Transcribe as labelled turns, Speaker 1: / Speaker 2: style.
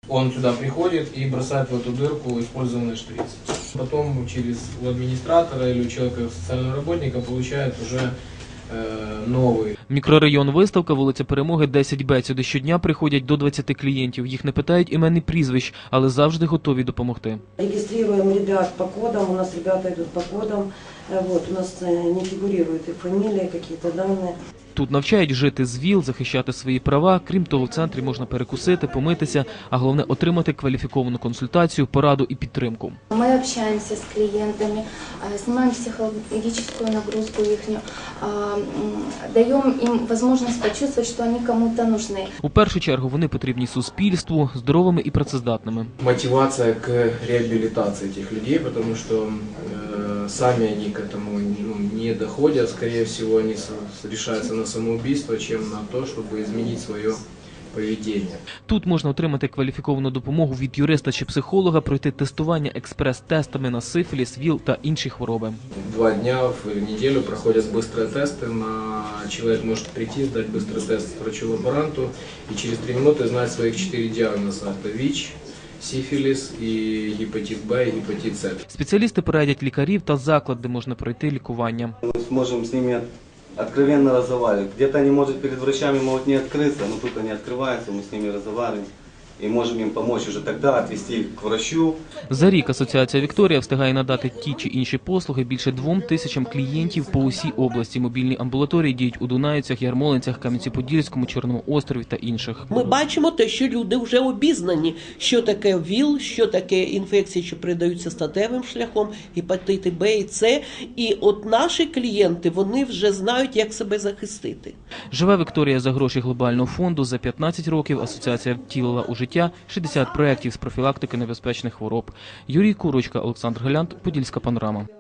Speaker 1: Он сюда приходит и бросает в эту дырку использованный шприц. Потом через у администратора или у человека, социального работника, получает уже новий.
Speaker 2: Мікрорайон Виставка, вулиця Перемоги, 10Б. Сюди щодня приходять до 20 клієнтів. Їх не питають імен і прізвищ, але завжди готові допомогти.
Speaker 3: Реєструємо ребят по кодам, у нас ребята йдуть по кодам. У нас не фігурують і фамілії, якісь дані.
Speaker 2: Тут навчають жити з ВІЛ, захищати свої права. Крім того, в центрі можна перекусити, помитися, а головне – отримати кваліфіковану консультацію, пораду і підтримку.
Speaker 4: Ми спілкуємося з клієнтами, знімаємо психологічну нагрузку їхню, даємо їм можливість почувствувати, що вони комусь потрібні.
Speaker 2: У першу чергу вони потрібні суспільству, здоровими і працездатними.
Speaker 1: Мотивація к реабілітації цих людей, тому що самі вони к этому не доходять, скорее всего, вони решаются на самоубийство, чем на то, чтобы изменить свое поведение.
Speaker 2: Тут можна отримати кваліфіковану допомогу від юриста чи психолога, пройти тестування експрес-тестами на сифіліс, ВІЛ та інші хвороби.
Speaker 1: 2 дня в неделю проходят быстрые тесты. Человек может прийти, сдать быстрый тест врачу-лаборанту и через 3 минуты знать своих 4 диагноза. Это ВИЧ, сифіліс, і гепатит Б, і гепатит С.
Speaker 2: Спеціалісти порадять лікарів та заклад, де можна пройти лікування.
Speaker 5: Ми зможемо з ними откровенно разговаривать. Где-то они, может, перед врачами могут не открыться, но тут они открываются, мы с ними разговариваем и можем им помочь уже тогда отвести их к врачу.
Speaker 2: За рік Асоціація «Вікторія» встигає надати ті чи інші послуги більше 2000 клієнтів по усій області. Мобільні амбулаторії діють у Дунаївцях, Ярмолинцях, Кам'янці-Подільському, Чорному острові та інших.
Speaker 6: Ми бачимо те, що люди вже обізнані, що таке ВІЛ, що таке інфекції, що передаються статевим шляхом, гепатити Б і С. І от наші клієнти, вони вже знають, як себе захистити.
Speaker 2: Живе Вікторія за гроші глобального фонду. За 15 років асоціація втілила у життя 60 проєктів з профілактики небезпечних хвороб. Юрій Курочка, Олександр Галянт, Подільська панорама.